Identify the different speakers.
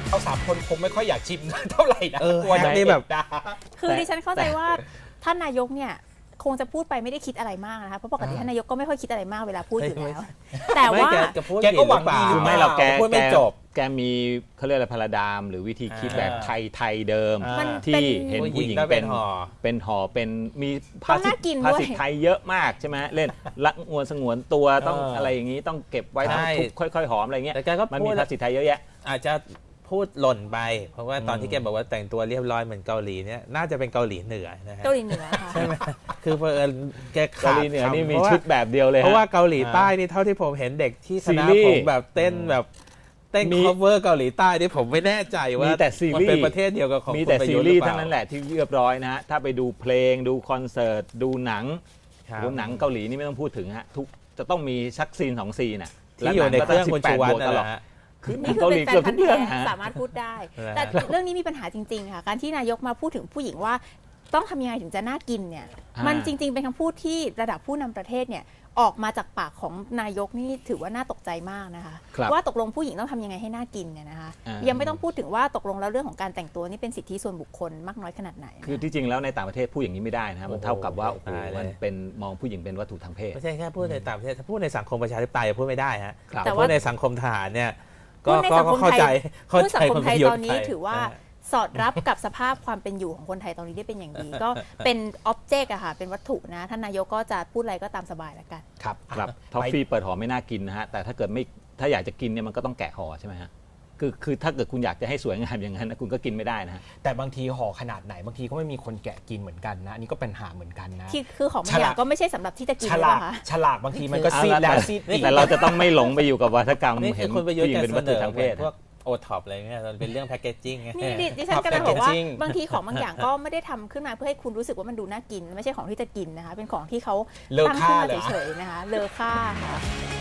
Speaker 1: เรา3 คนคงไม่ค่อยอยากชิมเท่าไหร่นะกลัวจะ
Speaker 2: นี่แบบ
Speaker 3: คือดิฉันเข้าใจว่าท่านนายกเนี่ยคงจะพูดไปไม่ได้คิดอะไรมากนะคะเพราะปกติท่านนายกก็ไม่ค่อยคิดอะไรมากเวลาพูดอยู่แล้วแต่ว่า
Speaker 1: แกก็หวังดีหรือ
Speaker 2: ไม่เรา
Speaker 1: พูดไม่จบ
Speaker 2: แกมีเขาเรียกอะไรพาราดามหรือวิธีคิดแบบไทยเดิมที่เห็นผู้หญิงเป็นห่อเป็นมีภาษิตไทยเยอะมากใช่ไหมเล่นละงวนสงวนตัวต้องอะไรอย่างนี้ต้องเก็บไว้ต้องทุบค่อยๆหอมอะไรเงี้ยมันมีภาษิตไทยเยอะแยะ
Speaker 4: อาจจะพูดหล่นไปเพราะว่าตอนที่แกบอกว่าแต่งตัวเรียบร้อยเหมือนเกาหลีเนี่ยน่าจะเป็นเกาหลีเหนือนะฮะ
Speaker 3: เกาหลีเหนือค่ะ
Speaker 4: ใช่ไหมคือเผอิญแก
Speaker 2: เกาหลีเหนือนี่มีชุดแบบเดียวเลย
Speaker 4: เพราะว่าเกาหลีใต้นี่เท่าที่ผมเห็นเด็กที่คณะผมแบบเต้นแบบเต้น cover เกาหลีใต้นี่ผมไม่แน่ใจว่ามันเป็นประเทศเดียวกับของ
Speaker 2: มีแต่ซีรีส์ทั้งนั้นแหละที่เรียบร้อยนะฮะถ้าไปดูเพลงดูคอนเสิร์ตดูหนังเกาหลีนี่ไม่ต้องพูดถึงฮะทุกจะต้องมีชักซีน2 ซีนน่ะ
Speaker 4: ที่อยู่ในเครื่องคุณชูวัฒน์นั่นแหละ
Speaker 3: นี่คือเป็นแฟนพันธุ์แท้สามารถพูดได้แต่เรื่องนี้มีปัญหาจริงๆค่ะการที่นายกมาพูดถึงผู้หญิงว่าต้องทำยังไงถึงจะน่ากินเนี่ยมันจริงๆเป็นคำพูดที่ระดับผู้นำประเทศเนี่ยออกมาจากปากของนายกนี่ถือว่าน่าตกใจมากนะคะว่าตกลงผู้หญิงต้องทำยังไงให้น่ากินเนี่ยนะคะยังไม่ต้องพูดถึงว่าตกลงแล้วเรื่องของการแต่งตัวนี่เป็นสิทธิส่วนบุคคลมากน้อยขนาดไหน
Speaker 2: คือที่จริงแล้วในต่างประเทศพูดอย่างนี้ไม่ได้นะมันเท่ากับว่ามันเป็นมองผู้หญิงเป็นวัตถุทางเพศ
Speaker 4: ไม่ใช่แค่พูดในต่างประเทศถ้าพูดในสังคมประชาธิปไตยพูดไม่ได้ฮะแต่ว่าในสังคมทหารเนี่ยก็เข้าใจ
Speaker 3: สังคมไทยตอนนี้ถือว่าสอดรับกับสภาพความเป็นอยู่ของคนไทยตอนนี้ได้เป็นอย่างดีก็เป็นอ็อบเจกต์อะค่ะเป็นวัตถุนะท่านนายกก็จะพูดอะไรก็ตามสบายแล้วกัน
Speaker 2: ครับท็อฟฟี่เปิดห่อไม่น่ากินนะฮะแต่ถ้าเกิดไม่ถ้าอยากจะกินเนี่ยมันก็ต้องแกะห่อใช่ไหมฮะคือถ้าเกิดคุณอยากจะให้สวยงามอย่างนั้นคุณก็กินไม่ได้นะฮะ
Speaker 1: แต่บางทีห่อขนาดไหนบางทีก็ไม่มีคนแกะกินเหมือนกันนะอันนี้ก็เป็นปัญหาเหมือนกันนะ
Speaker 3: คือของบางอย่างก็ไม่ใช่สำหรับที่จะกินนะคะ
Speaker 1: ฉลากบางทีมันก็ซีดแล้วซีดอีก
Speaker 2: แต่เราจะต้องไม่หลงไปอยู่กับวัฒกรรม
Speaker 4: เห็นผู้หญิงเป็นวัตถุทางเพศพวกโอท็อปอะไรเงี้ยมันเป็นเรื่องแพคเกจจิ้ง
Speaker 3: นี่ดิฉันกำลังบอกว่าบางทีของบางอย่างก็ไม่ได้ทำขึ้นมาเพื่อให้คุณรู้สึกว่ามันดูน่ากินไม่ใช่ของที่จะกินนะคะเป็นของที่เขาตั้งขึ้นมาเฉยๆนะคะเลอค่าค่ะ